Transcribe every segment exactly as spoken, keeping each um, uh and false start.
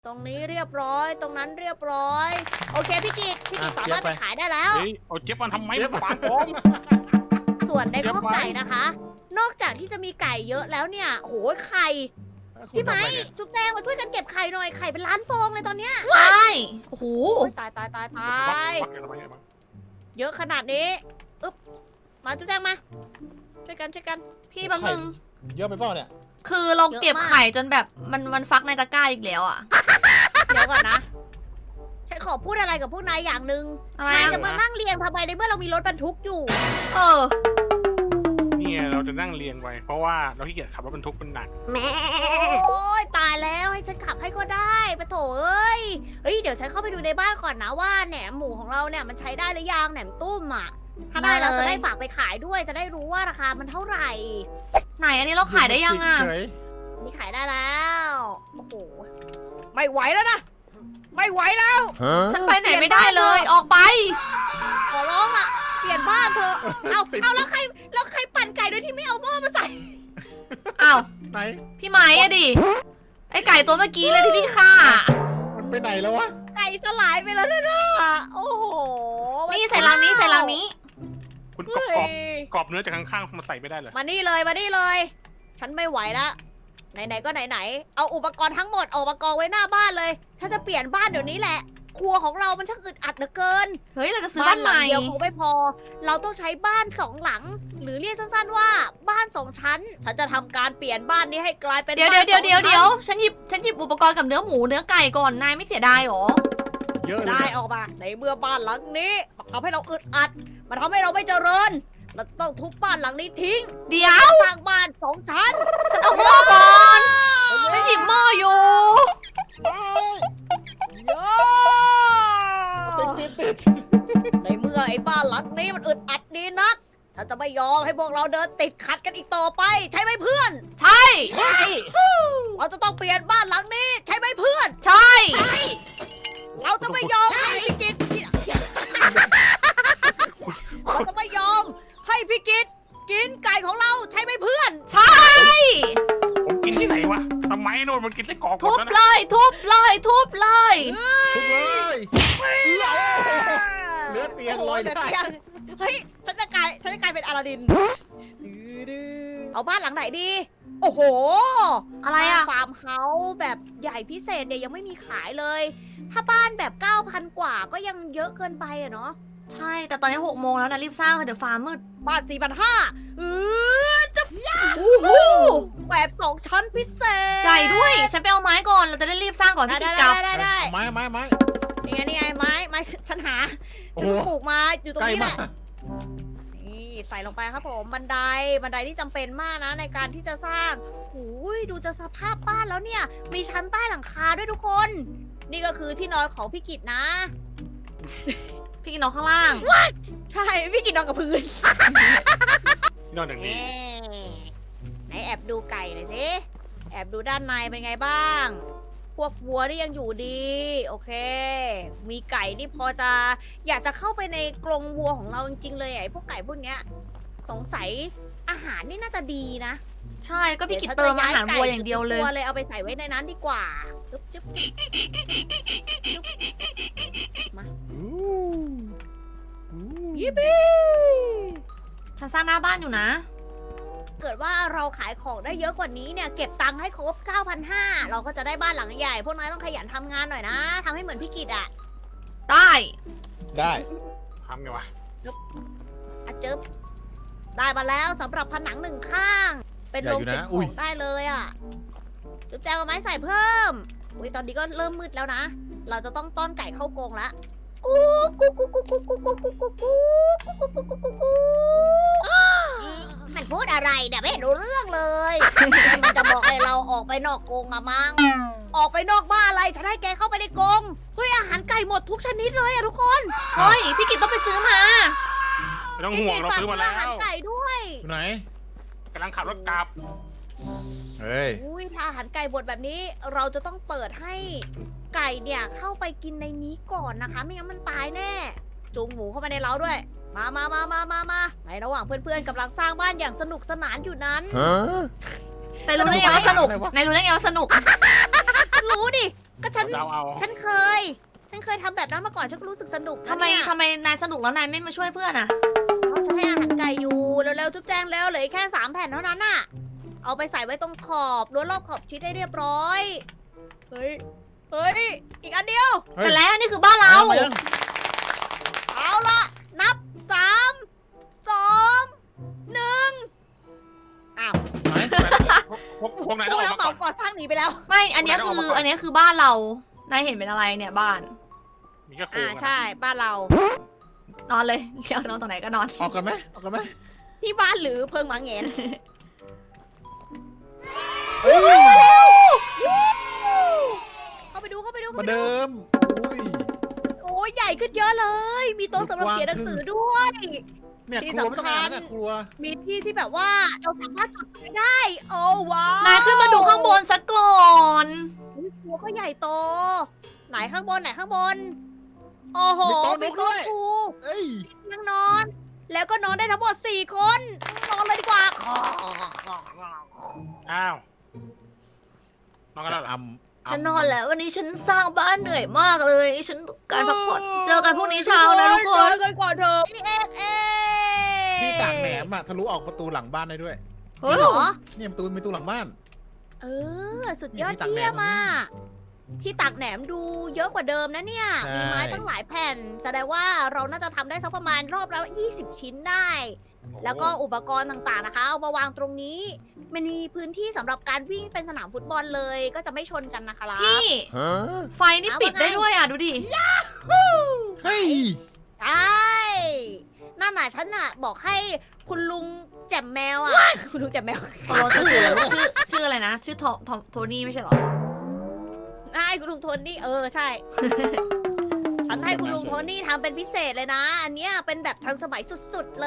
ตรงนี้เรียบร้อยตรงนั้นเรียบร้อยโอเคพี่กิตพี่กิตอ่ะสามารถเจี๊ไปยบไปขายได้แล้วเฮ้ยเอาเจี๊ยบมันทำไมเจี๊ยบมันขวางผมส่วนในเจี๊ยบข้าวไว้ไก่นะคะ นอกจากที่จะมีไก่เยอะแล้วเนี่ยโอ้โหไข่พี่ไม้จุ๊บแดงมาช่วยกันเก็บไข่หน่อยไข่เป็นล้านฟองเลยตอนเนี้ยใช่โอ้โหโอ้ยตายตายตายตายบักบักบักบักบักเยอะขนาดนี้อึ๊บมาจุ๊บแดงมาช่วยกันช่วยกันพี่บางนึงเยอะไปเปล่าเนี่ยคือเราเก็บเยอะมากไข่จนแบบมันมันฟักในตะกร้าอีกแล้วอ่ะเดี๋ยวก่อนนะฉันขอพูดอะไรกับพวกนายอย่างหนึ่งอะไรนายอะจะมานั่งเรียงทำไมในเมื่อเรามีรถบรรทุกอยู่เออนี่ไงเราจะนั่งเรียงไว้ เพราะว่าเราขี้เกียจขับรถบรรทุกมันหนักโอ้ยตายแล้วให้ฉันขับให้ก็ได้ปะโถเอ้ยเฮ้ยเดี๋ยวฉันเข้าไปดูในบ้านก่อนนะว่าแหนมหมูของเราเนี่ยมันใช้ได้หรือยังแหนมตุ้มอ่ะถ้าได้เราจะได้ฝากไปขายด้วยจะได้รู้ว่าราคามันเท่าไหร่ไหนอันนี้เราขายได้ยังอ่ะเฉยนี่ขายได้แล้วโอ้โหไม่ไหวแล้วนะไม่ไหวแล้วฮะฉันไปไหนไม่ได้เลย ออกไปขอร้องล่ะเปลี่ยนบ้านเถอะเอาเอาแล้วใครแล้วใครปั่นไก่โดยที่ไม่เอาหม้อมาใส่อ้าวไหนพี่ไม้อะดิ ไอไก่ตัวเมื่อกี้เลยที่พี่ฆ่ามันไปไหนแล้ววะไก่สลายไปแล้วนะน่ะโอ้โหนี่ใส่ลังนี้ใส่ลังนี้คุณกเฮ้รอบยกรอบกรอบเนื้อจากข้างๆมาใส่ไม่ได้เลยมานี่เลยมานี่เลย ฉันไม่ไหวละไหนๆก็ไหนๆเอาอุปกรณ์ทั้งหมดออกมากองไว้หน้าบ้านเลยฉันจะเปลี่ยนบ้านเดี๋ยวนี้แหละ ครัวของเรามันช่างอึดอัดเหลือเกินเฮ้ย เราจะซื้อบ้านหใหลัม่เดียวคงไม่พอ เราต้องใช้บ้านสองหลัง หรือเรียกสั้นๆว่าบ้านสองชั้น ฉันจะทำการเปลี่ยนบ้านนี้ให้กลายเป็นเดี๋ยวบ้าเดี๋ยนวเดี๋ยวสองเดี๋ยวชั้นเดี๋ยวฉันหยิบฉันหยิบอุปกรณ์กับเนื้อหมูเนื้อไก่ก่อน นายไม่เสียดายหรอเยอะเลยได้เนี่ยออกมาในเมื่อบ้านหลังนี้มันทำให้เราอึดอัด มันทำให้เราไม่เจริญ เราจะต้องทุบบ้านหลังนี้ทิ้งเดี๋ยวสร้างบ้านสองชั้นฉันเอาหม้อก่อนฉันหยิบหม้ออยู่ติดติดติดในเมื่อไอ้บ้านหลังนี้มันอึดอัดดีนัก ฉันจะไม่ยอมให้พวกเราเดินติดขัดกันอีกต่อไป ใช่ไหมเพื่อนใช่ใช่เราจะต้องเปลี่ยนบ้านหลังนี้ ใช่ไหมเพื่อนใช่เราจะไม่ยอมให้พี่กิตเราจะไม่ยอมให้พี่กิตกินไก่ของเราใช่ไหมเพื่อนใช่ผมกินที่ไหนวะทำไมโน่นมันกินไส้กรอกหมทุดบแล้วเลนะย ทุบเลย ทุบเลยทุกเลยเหลือเตียงลอยได้เฮ้ยฉันจะกลายฉันจะกลายเป็นอลาดินเอาบ้านหลังไหนดี โอ้โหอะไรอะฟาร์มเฮาส์แบบใหญ่พิเศษเนี่ยยังไม่มีขายเลย ถ้าบ้านแบบ เก้าพัน กว่าก็ยังเยอะเกินไปอะเนาะใช่ แต่ตอนนี้หกโมงแล้วนะรีบสร้างเถอะเดี๋ยวฟ้ามืดบ้าน สี่พันห้าร้อย เออจะอู้หูแบบสองชั้นพิเศษใหญ่ด้วย ฉันไปเอาไม้ก่อน เราจะได้รีบสร้างก่อนได้พี่ได้กิจกลับได้ได้ได้ไม้ไม้ไม้นี่ไงนี่ไงไม้ไม้ฉันหาโอ้ฉันโหปลูกมาอยู่ตรงใกล้นี้แหมาละกนี่ใส่ลงไปครับผมบันไดบันไดที่จำเป็นมากนะในการที่จะสร้างหูยดูจะสภาพบ้านแล้วเนี่ย มีชั้นใต้หลังคาด้วยทุกคน นี่ก็คือที่นอนของพี่กิตนะพี่กินนอนข้างล่างใช่พี่กิตนอนกับพื้นนอกจากนี้ไหนแอบดูไก่หน่อยสิแอบดูด้านในเป็นไงบ้าง พวกวัวนี่ยังอยู่ดี โอเค มีไก่นี่พอจะอยากจะเข้าไปในกรงวัวของเราจริงๆเลยไอ้พวกไก่พวกเนี้ย สงสัยอาหารนี่น่าจะดีนะใช่ ก็พี่กิจเติมอาหารวัวอย่างเดียวเลยวัวเลยเอาไปใส่ไว้ในนั้นดีกว่าจุ๊บจุ๊บจุ๊บจุ๊บมาอู้อู้ยิปปี้ฉันสร้างหน้าบ้านอยู่นะเกิดว่าเราขายของได้เยอะกว่านี้เนี่ย เก็บตังค์ให้ครบ เก้าพันห้าร้อย เราก็จะได้บ้านหลังใหญ่ พวกนายต้องขยันทำงานหน่อยนะทำให้เหมือนพี่กิตอะได้ได้ทำไงวะอะจึ๊บได้มาแล้วสำหรับผนังหนึ่งข้าง เป็นโรงเก็บของได้เลยอะจุ๊บแจงเอาไม้ใส่เพิ่มอุ้ยตอนนี้ก็เริ่มมืดแล้วนะ เราจะต้องต้อนไก่เข้ากรงละกูกูกูกูกูกูกูกูกูกูกูกูกูกูกูมันพูดอะไรเนี่ยไม่เห็นรู้เรื่องเลยมันจะบอกให้เราออกไปนอกกรงอะมั้งออกไปนอกบ้านอะไรฉันให้แกเข้าไปในกรงเฮ้ยอาหารไก่หมดทุกชนิดเลยอะทุกคนเฮ้ย พี่กิจต้องไปซื้อมาไม่ต้องห่วงเราซื้อมาแล้อาหารวไก่ด้วยอยู่ไหนกำลังขับรถกลับเฮ้ยอุ้ยถ้าอาหารไก่บดแบบนี้ เราจะต้องเปิดให้ไก่เนี่ยเข้าไปกินในนี้ก่อนนะคะ ไม่งั้นมันตายแน่ จูงหมูเข้าไปในเล้าด้วย มามามามามามาในระหว่างเพื่อนๆกำลังสร้างบ้านอย่างสนุกสนานอยู่นั้นฮะแต่รู้ได้ไงว่าสนุกอะไรวะนายรู้ได้ไงว่าสนุกรู้ดิก็ฉันเดาเอาฉันเคย ฉันเคยทำแบบนั้นมาก่อนฉันก็รู้สึกสนุกนะทำไมเนี่ยทำไมนายสนุกแล้วนายไม่มาช่วยเพื่อนอ่ะเอาฉันให้อาหารไก่อยู่เร็วๆจุ๊บแจงเร็วเหลืออกแค่สามแผ่นเท่านั้นน่ะ เอาไปใส่ไว้ตรงขอบรั้วรอบขอบชิดให้เรียบร้อย เฮ้ย เฮ้ย อีกอันเดียวเฮ้ยแต่แล้วนี่คือบ้านเรามายังเอาละนับสามสองหนึ่งอ้าวไหนพวกพวกนายพต้วอก งอเราอกมาเหก่มาอนก่อสร้างหนีไปแล้วไม่ อันเนี้ยเอาคืมาอก่อนอันเนี้ยคือบ้านเรา นายเห็นเป็นอะไรเนี่ยบ้านมีแค่โครอ่างอะใช่บ้านเรานอนเลยเดี๋ยวนอนตรงไหนก็นอนออกกันไหมออกกันไหมที่บ้านหรือเพิงหมาแงนเฮ้ยเข้าไปดูเข้าไปดูมาเข้าไปดูเดิมอุ้ยโอ้ยใหญ่ขึ้นเยอะเลย มีโต๊ะสำหรับเขียนหนังสือด้วยเนี่ยที่ครัวไม่ต้องสำคังาญนเนี่ยครัวมีที่ที่แบบว่าเราสามารถจุดไฟได้ โอ้ว้าวนายขึ้นมาดูข้างบนซะก่อนอุ๊ยครัวก็ใหญ่โต ไหนข้างบนไหนข้างบน โอ้โหมีโต๊ะมีนุ๊กด้โต๊ะวยครูเอ้ยนั่งนอน แล้วก็นอนได้ทั้งหมดสี่คน นอนเลยดีกว่าอ้าวน้องกันแล้วเหรอจะอำฉันนอนแล้ววันนี้ฉันสร้างบ้านเหนื่อยมากเลย ฉันต้องการพักผ่อนเจอกันพรุ่งนี้เช้านะทุกคนเจอกันก่อนเถอะเอ๊ะเอ๊ะที่ตากแหนมอะทะลุออกประตูหลังบ้านได้ด้วยจริงเหรอเนี่ยประตูมีประตูหลังบ้านเออ สุดยอดนี่ที่ตากแหนมเยี่ยมอ่ะที่ตักแหนมดูเยอะกว่าเดิมนะเนี่ยใช่มีไม้ตั้งหลายแผ่น แสดงว่าเราน่าจะทำได้สักประมาณรอบละยี่สิบชิ้นได้ แล้วก็อุปกรณ์ต่างๆนะคะ เอามาวางตรงนี้ มันมีพื้นที่สำหรับการวิ่งเป็นสนามฟุตบอลเลย ก็จะไม่ชนกันนะคะพี่ฮะไฟนี่ปิดได้ด้วยอ่ะ ดูดิเฮ้ยใช่นั่นน่ะฉันน่ะบอกให้คุณลุงแจ่มแมวอ่ะ คุณลุงแจ่มแมวตกลงชื่อชื่อชื่ออะไรนะ ชื่อโทโทโทนี่ไม่ใช่เหรอใช่คุณลุงโทนี่เออใช่ ฉันให้คุณลุงโทนี่ทำเป็นพิเศษเลยนะ อันเนี้ยเป็นแบบทันสมัยสุดๆเลย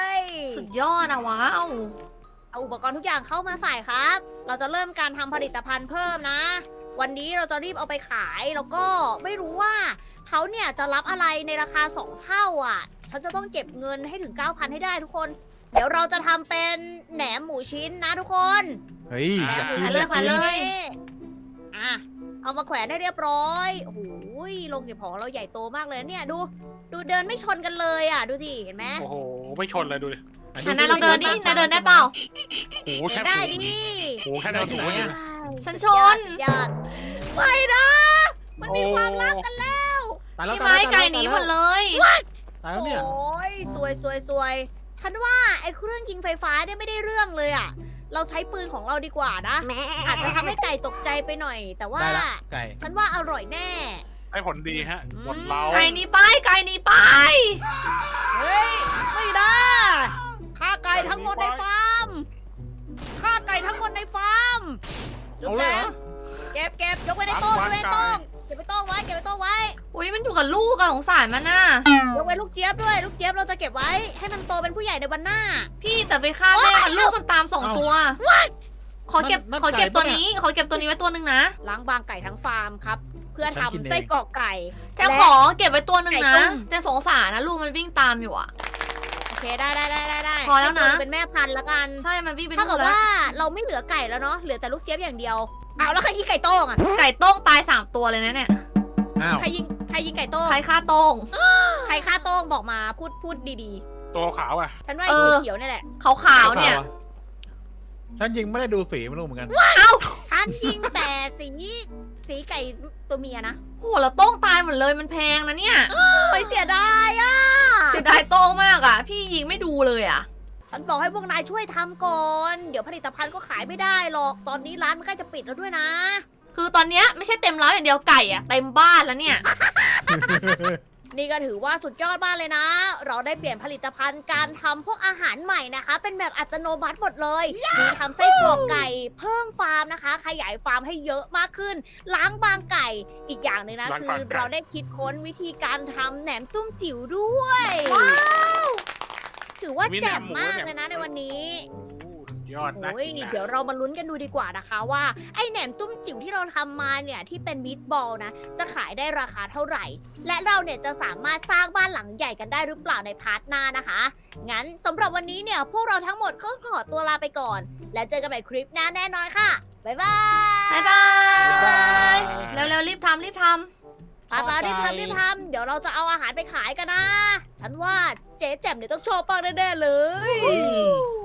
สุดยอดอะว้าวเอาอุปกรณ์ทุกอย่างเข้ามาใส่ครับ เราจะเริ่มการทำผลิตภัณฑ์เพิ่มนะ วันนี้เราจะรีบเอาไปขายแล้วก็ไม่รู้ว่าเขาเนี่ยจะรับอะไรในราคาสองเท่าอ่ะ ฉันจะต้องเก็บเงินให้ถึง เก้าพัน ให้ได้ทุกคน เดี๋ยวเราจะทำเป็นแหนมหมูชิ้นนะทุกคนเฮ้ยอยากกินไปเลยอยากไปกินเลยอ่ะ เอามาแขวนให้เรียบร้อย โอ้โหโรงเก็บของเราใหญ่โตมากเลยเนี่ย ดู ดูเดินไม่ชนกันเลยอ่ะ ดูสิเห็นไหมโอ้โหไม่ชนเลยดูดิอัอันนั้นเราเดินนี่นายเดินได้เปล่าโอ้โหแค่ได้หูดิโอ้โหแค่ได้หูเนี่ยฉันชนสุดยอดไม่นะ มันมีความรักกันแล้วตายแล้วพี่ตายไม้แล้วไก่หนีหมดเลยตายแล้วเนี่ยโอ้ยสวยสวยสวย ฉันว่าไอ้เครื่องยิงไฟฟ้าเนี่ยไม่ได้เรื่องเลยอ่ะ เราใช้ปืนของเราดีกว่านะ อาจจะทำให้ไก่ตกใจไปหน่อย แต่ว่าได้ละไก่ฉันว่าอร่อยแน่ให้ผลดีฮะหมดเราไก่หนีไปไก่หนีไปเฮ้ย ไม่ได้ฆ่าไก่ทั้งหมดในฟาร์มฆ่าไก่ทั้งหมดในฟาร์มจุ๊บเอาเลแจยเหรง อเก็บเก็บยกไว้ในโต๊ะยกไว้ในโต๊ะเก็บไว้โต๊ะไว้เก็บไว้โต๊ะไว้อุ้ยมันอยู่กับลูกอะสงสารมันน่ะยกไว้ลูกเจี๊ยบด้วย ลูกเจี๊ยบเราจะเก็บไว้ ให้มันโตเป็นผู้ใหญ่ในวันหน้าพี่แต่ไปฆ่าแม่มันลูกมันตามสองตัว ขอเก็บนั่นขอเก็บไก่ตัวปะเนี่ยนี้ ขอเก็บตัวนี้ไว้ตัวหนึ่งนะล้างบางไก่ทั้งฟาร์มครับ เพื่อฉันกินทำเองไส้กรอกไก่แต่ขอเก็บไว้ตัวหนึ่งไก่นะต้มแต่สงสารนะลูกมันวิ่งตามอยู่อะโอเคได้ได้ได้ได้ได้พอแล้วนะให้ตัวเป็นแม่พันธุ์ละกันใช่มันวิ่งไปถ้านู่เกินดแล้วว่าเราไม่เหลือไก่แล้วเนาะเหลือแต่ลูกเจี๊ยบอย่างเดียวเอาแล้วใครยิงไก่โต้งอ่ะไก่โต้งตายสามตัวเลยนะเนี่ยอ้าวใครยิงใครยิงไก่โต้งใครฆ่าโต้งใครฆ่าโต้งบอกมาพูดพูดดีตัวขาวอ่ะๆ ฉันว่าเอไอ้อตัวเขียวนี่แหละขาวๆเนี่ยฉันยิงไม่ได้ดูสีไม่รู้เหมือนกันฉันยิงแต่สีสีไก่ตัวเมียนะโหแล้วโต้งตายหมดเลยมันแพงนะเนี่ยไปเสียดายอ่ะเสียดายโต้งมากอะพี่ยิงไม่ดูเลยอะฉันบอกให้พวกนายช่วยทำก่อน เดี๋ยวผลิตภัณฑ์ก็ขายไม่ได้หรอกตอนนี้ร้านมันใกล้จะปิดแล้วด้วยนะคือตอนเนี้ยไม่ใช่เต็มร้อยอย่างเดียวไก่อะเต็มบ้านแล้วเนี่ยนี่ก็ถือว่าสุดยอดมากเลยนะ เราได้เปลี่ยนผลิตภัณฑ์การทำพวกอาหารใหม่นะคะ เป็นแบบอัตโนมัติหมดเลย มีทำไส้กรอกไก่ เพิ่มฟาร์มนะคะ ขยายฟาร์มให้เยอะมากขึ้น ล้างบางไก่ อีกอย่างหนึ่งนะล้างคืบางอไก่เราได้คิดค้นวิธีการทำแหนมตุ้มจิ๋วด้วย ถือว่าแจ่มมากเลยนะในวันนี้โอ้สุดยอดนะโอ้ยเดี๋ยวเรามาลุ้นกันดูดีกว่านะคะว่าไอ้แหนมตุ้มจิ๋วที่เราทำมาเนี่ยที่เป็นมีดบอลนะจะขายได้ราคาเท่าไหร่ และเราเนี่ยจะสามารถสร้างบ้านหลังใหญ่กันได้หรือเปล่าในพาร์ทหน้านะคะ งั้นสำหรับวันนี้เนี่ยพวกเราทั้งหมดก็ขอตัวลาไปก่อน และเจอกันใหม่คลิปหน้าแน่นอนค่ะบ๊ายบายบ๊ายบาย เร็วๆรีบทำรีบทปาปารีบทำรีบทำเดี๋ยวเราจะเอาอาหารไปขายกันนะ ฉันว่าเจ๊แจ่มเนี่ยต้องชอบป้างแน่ๆเลยอืม